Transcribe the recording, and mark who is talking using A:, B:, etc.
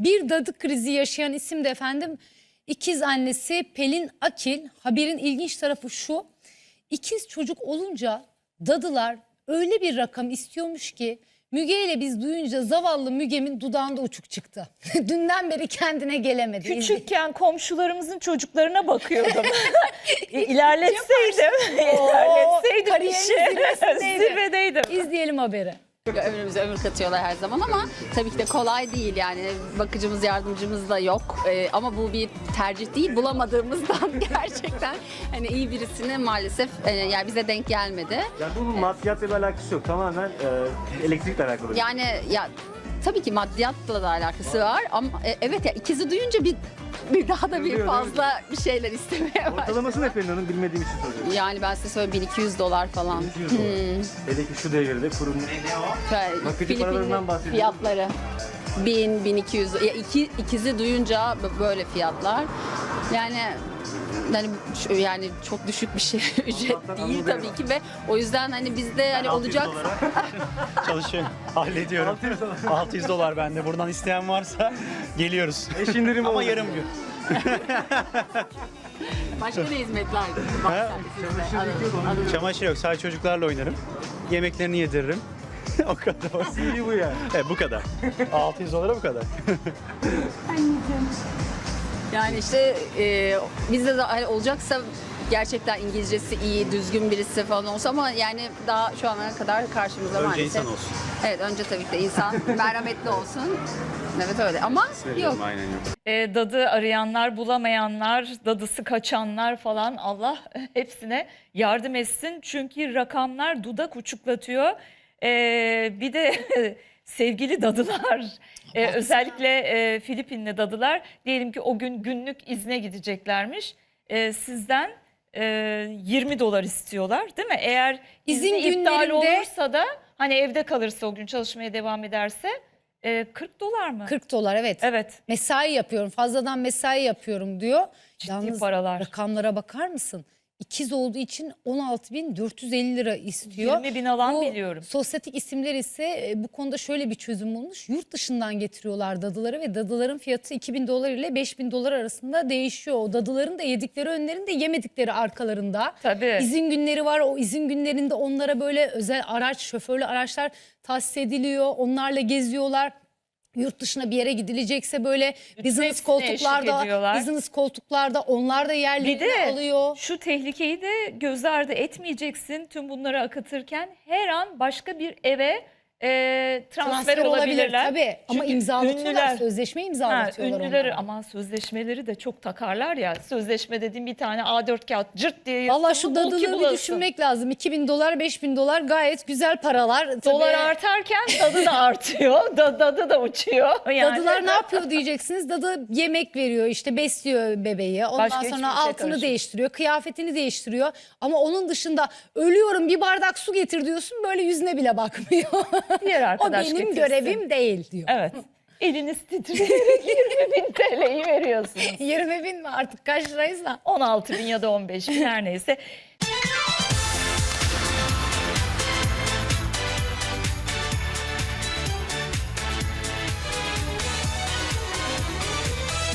A: Bir dadı krizi yaşayan isim de efendim ikiz annesi Pelin Akil. Haberin ilginç tarafı şu: ikiz çocuk olunca dadılar öyle bir rakam istiyormuş ki Müge ile biz duyunca zavallı Müge'min dudağında uçuk çıktı. Dünden beri kendine gelemedi.
B: Küçükken komşularımızın çocuklarına bakıyordum. İlerletseydim
A: kariyerin zirvesindeydi.
B: zirvedeydim.
A: İzleyelim haberi.
C: Ömrümüze ömür katıyorlar her zaman ama tabii ki de kolay değil yani bakıcımız yardımcımız da yok ama bu bir tercih değil, bulamadığımızdan gerçekten hani iyi birisini maalesef yani bize denk gelmedi.
D: Yani bunun maddiyatla bir alakası yok, tamamen elektrikle alakalı.
C: Yani ya tabii ki maddiyatla da alakası var ama evet ya ikizi duyunca bir daha da bir fazla bir şeyler istemeye başladı.
D: Ortalaması ne Pelin Hanım, bilmediğim için soruyorum.
C: Yani ben size söyleyeyim $1200 falan.
D: 200 dolar. Hele ki şu devirde kurum bakıcı paralarından bahsediyoruz.
C: Fiyatları 1000-1200 ya ikizi duyunca böyle fiyatlar. Yani çok düşük bir şey ücret değil tabii ki ve o yüzden hani bizde hani olacak
E: Çalışıyorum, hallediyorum. 600 dolar bende. Buradan isteyen varsa geliyoruz.
D: Eş indirimi
E: Ama
D: oldu.
E: yarım gün.
C: başka ne hizmetler?
E: Çamaşır yok, sadece çocuklarla oynarım. Yemeklerini yediririm. O kadar.
D: CV bu yani.
E: Evet, bu kadar. 600 dolara bu kadar.
C: Yani işte bizde de hani olacaksa gerçekten İngilizcesi iyi, düzgün birisi falan olsa ama yani daha şu ana kadar karşımıza
E: Önce
C: maalesef.
E: insan olsun.
C: Evet, önce tabii ki de insan merhametli olsun. Evet öyle ama yok.
D: Aynen yok.
B: Dadı arayanlar, bulamayanlar, dadısı kaçanlar falan Allah hepsine yardım etsin. Çünkü rakamlar dudak uçuklatıyor. Bir de sevgili dadılar, özellikle Filipinli dadılar diyelim ki o gün günlük izne gideceklermiş. Sizden 20 dolar istiyorlar değil mi? Eğer
A: İzin
B: izni iptal
A: günlerinde-
B: olursa da hani evde kalırsa o gün çalışmaya devam ederse 40 dolar mı?
A: 40 dolar evet.
B: Evet.
A: Mesai yapıyorum, fazladan mesai yapıyorum diyor.
B: Ciddi paralar.
A: Rakamlara bakar mısın? İkiz olduğu için 16.450 lira istiyor.
B: 20.000 alan
A: Bu
B: biliyorum.
A: Sosyetik isimler ise bu konuda şöyle bir çözüm bulmuş. Yurt dışından getiriyorlar dadıları ve dadıların fiyatı 2.000 dolar ile 5.000 dolar arasında değişiyor. O dadıların da yedikleri önlerin de yemedikleri arkalarında.
B: Tabii.
A: İzin günleri var. O izin günlerinde onlara böyle özel araç, şoförlü araçlar tahsis ediliyor. Onlarla geziyorlar. Yurt dışına bir yere gidilecekse böyle business
B: hepsine eşlik ediyorlar.
A: koltuklarda onlar da
B: Bir
A: yerlerini
B: de
A: alıyor.
B: şu tehlikeyi de göz ardı etmeyeceksin tüm bunları akıtırken her an başka bir eve transfer olabilirler.
A: Tabii ama
B: Çünkü
A: imzalatıyorlar, sözleşme imzalatıyorlar
B: ünlüleri
A: onlara.
B: ama sözleşmeleri de çok takarlar ya. Sözleşme dediğim bir tane A4 kağıt cırt diye
A: Valla
B: yırtıldı,
A: şu
B: bul ki
A: dadıları bir
B: bulasın.
A: düşünmek lazım. 2.000 dolar, 5.000 dolar gayet güzel paralar.
B: Dolar
A: Tabii
B: artarken dadı da artıyor. Dadı da uçuyor. Yani.
A: dadılar ne yapıyor diyeceksiniz. Dadı yemek veriyor, işte besliyor bebeği. Ondan
B: Başka hiçbir
A: sonra
B: şey
A: altını
B: karışmıyor.
A: değiştiriyor, kıyafetini değiştiriyor. Ama onun dışında ölüyorum bir bardak su getir diyorsun, böyle yüzüne bile bakmıyor.
B: Diğer
A: O
B: arkadaş
A: benim
B: getirsin.
A: görevim değil diyor.
B: Evet. Eliniz titreyerek 20.000 TL'yi veriyorsunuz.
A: 20.000 mi artık kaç liraysa?
B: 16.000 ya da 15.000 her neyse.